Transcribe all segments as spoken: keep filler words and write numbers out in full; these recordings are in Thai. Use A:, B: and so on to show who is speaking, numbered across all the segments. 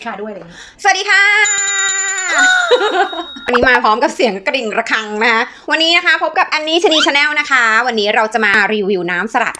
A: ค่ะด้วยอะไรอย่างนี้
B: สวัสดีค่ะ วันนี้มาพร้อมกับเสียงกริ่งระฆังนะคะวันนี้นะคะพบกับอันนี้ชนีชาแนลนะคะ วันนี้เราจะมารีวิวน้ำสลัด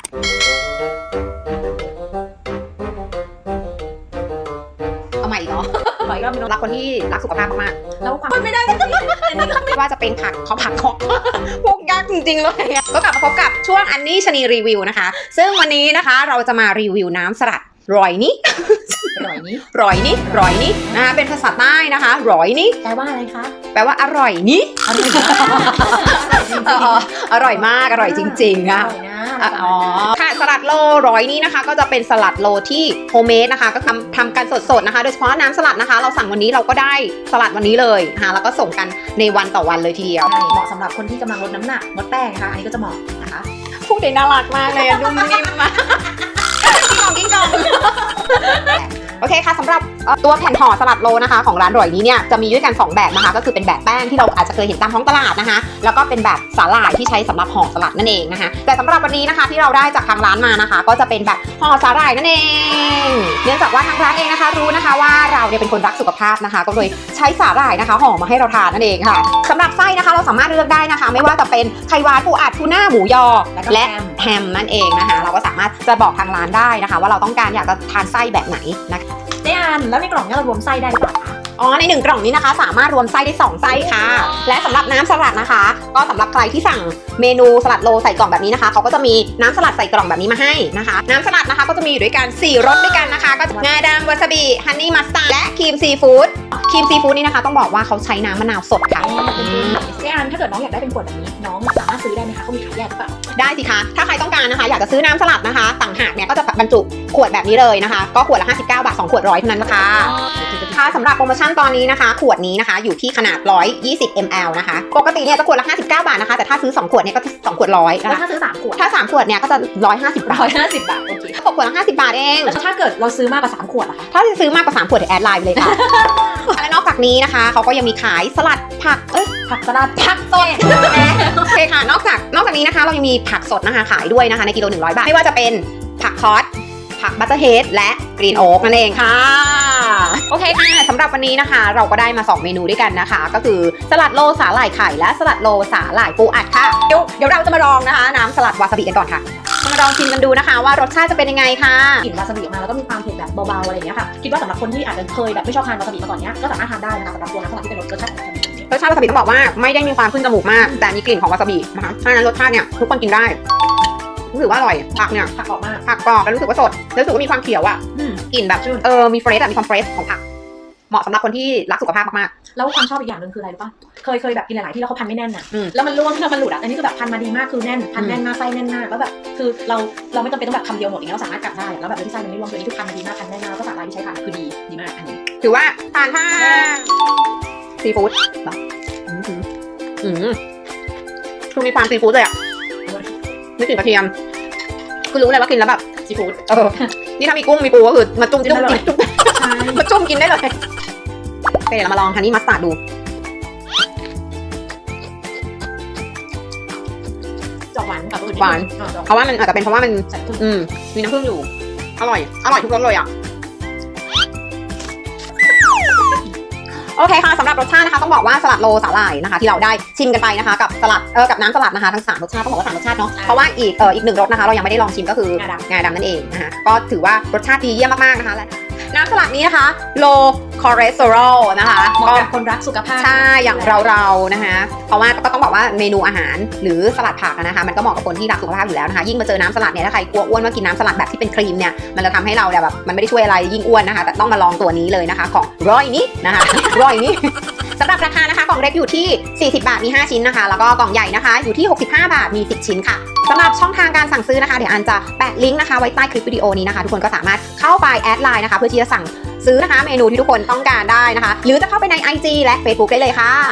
B: เอาใหม่อีกเหรอ
A: ขออีกรอบนึง
B: รักคนที่รักสุขภาพมาก
A: ๆแล้วความไม่ได้จริงๆ
B: ไม่ว่าจะเป็นผักเขาผักของพวกยากจริงๆเลยก็กลับมาพบกับช่วงอันนี้ชนีรีวิวนะคะซึ่งวันนี้นะคะเราจะมารีวิวน้ำสลัดรอยนี้
A: อร่อยนี้
B: รอยนี้รอยนี้นะคะเป็นภาษาใต้นะคะรอยนี้
A: แปลว่าอะไรคะ
B: แปลว่าอร่อยนี้
A: อร่อย
B: อร่อยมากอร่อยจริงๆค่ะอ๋อค่ะสลัดโลร้อยนี้นะคะก็จะเป็นสลัดโลที่โฮมเมดนะคะก็ทำทำกันสดๆนะคะโดยเฉพาะน้ำสลัดนะคะเราสั่งวันนี้เราก็ได้สลัดวันนี้เลยนะคะแล้วก็ส่งกันในวันต่อวันเลยทีเดียว
A: เหมาะสำหรับคนที่กำลังลดน้ำหนักลดแป้งนะคะอันนี้ก็จะเหมาะนะคะ
B: พูดได้น่ารักมากเลยนุ่มนิ่มมากกิ้งกองกิ้งกองโอเคค่ะสำหรับตัวแผ่นห่อสลัดโลนะคะของร้านร่อยนี้เนี่ยจะมีด้วยกันสองแบบนะคะก็คือเป็นแบบแป้งที่เราอาจจะเคยเห็นตามท้องตลาดนะคะแล้วก็เป็นแบบสาหร่ายที่ใช้สำหรับห่อสลัดนั่นเองนะคะแต่สำหรับวันนี้นะคะที่เราได้จากทางร้านมานะคะก็จะเป็นแบบห่อสาหร่ายนั่นเองเนื่องจากว่าทางร้านเองนะคะรู้นะคะว่าเราเนี่ยเป็นคนรักสุขภาพนะคะก็เลยใช้สาหร่ายนะคะห่อมาให้เราทานนั่นเองค่ะสำหรับไส้นะคะเราสามารถเลือกได้นะคะไม่ว่าจะเป็นไข่หวานปูอัดทูน่าหมูยอและแฮมนั่นเองนะคะเราก็สามารถจะบอกทางร้านได้นะคะว่าเราต้องการอยากจะทานไส้แบบไหนนะคะ
A: ได้อ่านแล้วในกล่องนี้เรารวมไส้ได้หรือเปล่าคะ
B: อ๋อในหนึ่งกล่องนี้นะคะสามารถรวมไส้ได้สองไส้ค่ะและสำหรับน้ำสลัดนะคะก็สำหรับใครที่สั่งเมนูสลัดโลใส่กล่องแบบนี้นะคะเขาก็จะมีน้ำสลัดใส่กล่องแบบนี้มาให้นะคะน้ำสลัดนะคะก็จะมีอยู่ด้วยกันสี่รสด้วยกันนะคะก็งาดำวาซาบิฮันนี่มัสตาร์ดและครีมซีฟู้ดครีมซีฟู้ดนี่นะคะต้องบอกว่าเขาใช้น้ำมะนาวสดค่ะ
A: ได้อ่านถ้าเกิดน้องอยากได้เป็นขวดแบบนี้น้องสามารถซื้อได้ไหมคะเขามีขายแยกหรือเปล่า
B: ได้สิคะถ้าใครต้องการนะคะอยากจะซื้อน้ำสลัดนะคะต่างหากเนี่ยก็จะบรรจุขวดแบบนี้เลยนะคะก็ขวดละห้าสิบเก้าบาทสองขวดร้อยเท่านั้นนะคะค่ะสำหรับโปรโมชั่นตอนนี้นะคะขวดนี้นะคะอยู่ที่ขนาดหนึ่งร้อยยี่สิบมิลลิลิตร นะคะปกติเนี่ยจะขวดละห้าสิบเก้าบาทนะคะแต่ถ้าซื้อสองขวดเนี่ยก็สองขวดร้อยนะคะ
A: ถ้าซื้อสามขวด
B: ถ้าสามขวดเนี่ยก็จะหนึ่งร้อยห้าสิบบาท
A: หนึ่งร้อยห้าสิบบาทโอเค
B: ตกขวดละห้าสิบบาทเอง
A: แล้วถ้าเกิดเราซื้อมากกว่าสามขวดล่ะคะ
B: ถ้าจะซื้อมากกว่าสามขวดเดี๋ยวแอดไลน์ไปเลยค่ะและนอกจากนี้นะคะเขาก็ยังมีขายสลัดผักเอ้ย
A: ผักสลัด
B: ผักสดโอเคค่ะนอกจากนอกจากนี้นะคะเรายังมีผักสดนะคะขายด้วยนะคะในกิโลหนึ่งร้อยบาทไม่ว่าจะเป็นผักคอสผักบัตเตอร์เฮดและกรีนโอ๊กนั่นเองค่ะโอเคค่ะสำหรับวันนี้นะคะเราก็ได้มาสองเมนูด้วยกันนะคะก็คือสลัดโลสาหร่ายไข่และสลัดโลสาหร่ายปูอัดค่ะเดี๋ยวเดี๋ยวเราจะมาลองนะคะน้ำสลัดวาซาบิกันก่อนค่ะมาลองชิมกันดูนะคะว่ารสชาติจะเป็นยังไงค่ะ
A: กลิ่นวาซาบิออกมาแล้วก็มีความเผ็ดแบบเบาๆอะไรอย่างเงี้ยค่ะคิดว่าสำหรับคนที่อาจจะเคยแบบไม่ชอบทานวาซาบิมาก่อนเนี้ยก็สามารถทานได้นะคะสำหรับตัวน้ำสลัดที่เป็นรสชาติของ
B: รสชาติวาซาบิต้องบอกว่าไม่ได้มีความขึ้นจมูกมากแต่มีกลิ่นของวาซาบินะคะเพราะฉะนั้นรสชาติเนี่ยทุกคนกินได้รู้สึกว่าอร่อยผักเนี่ย
A: ผักกรอบมาก
B: ผักกรอบแล้วรู้สึกว่าสดรู้สึกว่ามีความเขียวอ่ะกลิ่นแบบเออมีเฟรชอ่ะมีความเฟรชของผักเหมาะสำหรับคนที่รักสุขภาพมาก
A: ๆแล้วความชอบอีกอย่างหนึ่งคืออะไรรู้ป่ะเคยเคยแบบกินหลายๆที่แล้วเขาพันไม่แน่นอ่ะแล้วมันร่วงแล้วมันหลุดอ่ะอันนี้คือแบบพันมาดีมากคือแน่นพันแน่นมากไส้แน่นมากแล้วแบบคือเราเราไม่จำเป็นต้องแบบคำเดียวหมดอย่างเงี้ยเราสามารถกัดได้แล้วแบบที่ไส้มันไม่ร่วงเลยนี่คือพันมาดีมากพันแน่นมากก็สาหร่ายที่ใช้ทานคือดีดีมากอันนี้
B: ถือว่าทานค่ะซีฟู้ดอืมคือมีความซีฟู้ดเลยอ่ะไม่กลิ่นกระเทียมคือรู้เลยว่ากินแล้วแบบซีฟู้ดเออนี่ถ้ามีกุ้งมีปูก็คือมาจุ่มจุ่มกินจุ่มมาจุ่มกินได้เลยโอเคเดี๋ยวเรามาลองฮันนี่มัสตาร์ดดู
A: จอกหวานกับ
B: หวานเพราะว่ามันอาจจะเป็นเพราะว่ามันอืมมีน้ำผึ้งอยู่อร่อยอร่อยทุกรสเลยอ่ะโอเคค่ะสำหรับรสชาตินะคะต้องบอกว่าสลัดโลสาหร่ายนะคะที่เราได้ชิมกันไปนะคะกับสลัดเออกับน้ำสลัดนะคะทั้งสามรสชาติต้องบอกว่าสามรสชาติเนาะเพราะว่าอีกเอออีกหนึ่งรสนะคะเรายังไม่ได้ลองชิมก็คืองาดำงาดำนั่นเองนะคะก็ถือว่ารสชาติดีเยี่ยมมากๆนะคะและน้ำสลัดนี้นะคะ low cholesterol นะคะ
A: เหมาะกับคนรักสุขภาพ
B: ใช่อย่างเราๆนะคะเพราะว่าก็ต้องบอกว่าเมนูอาหารหรือสลัดผักนะคะมันก็เหมาะกับคนที่รักสุขภาพอยู่แล้วนะคะยิ่งมาเจอน้ำสลัดเนี่ยถ้าใครกลัวอ้วนว่ากินน้ำสลัดแบบที่เป็นครีมเนี่ยมันจะทำให้เราแบบมันไม่ได้ช่วยอะไรยิ่งอ้วนนะคะแต่ต้องมาลองตัวนี้เลยนะคะของร้อยนี้นะคะร้อยนี้สำหรับราคานะคะกล่องเล็กอยู่ที่สี่สิบบาทมีห้าชิ้นนะคะแล้วก็กล่องใหญ่นะคะอยู่ที่หกสิบห้าบาทมีสิบชิ้นค่ะสำหรับช่องทางการสั่งซื้อนะคะเดี๋ยวอันจะแปะลิงก์นะคะไว้ใต้คลิปวิดีโอนี้นะคะทุกคนก็สามารถเข้าไปแอดไลน์นะคะเพื่อที่จะสั่งซื้อนะคะเมนูที่ทุกคนต้องการได้นะคะหรือจะเข้าไปใน ไอ จี และ Facebook ได้เลยค่ะ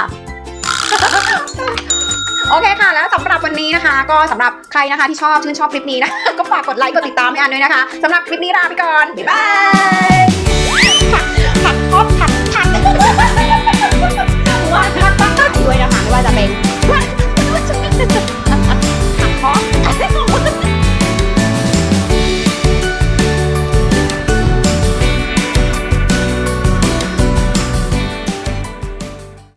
B: โอเคค่ะแล้วสำหรับวันนี้นะคะก็สำหรับใครนะคะที่ชอบชื่นชอบคลิปนี้นะก็ฝากกดไลค์กดติดตามให้อันด้วยนะคะสำหรับคลิปนี้ลาไปก่อนบ๊ายบาย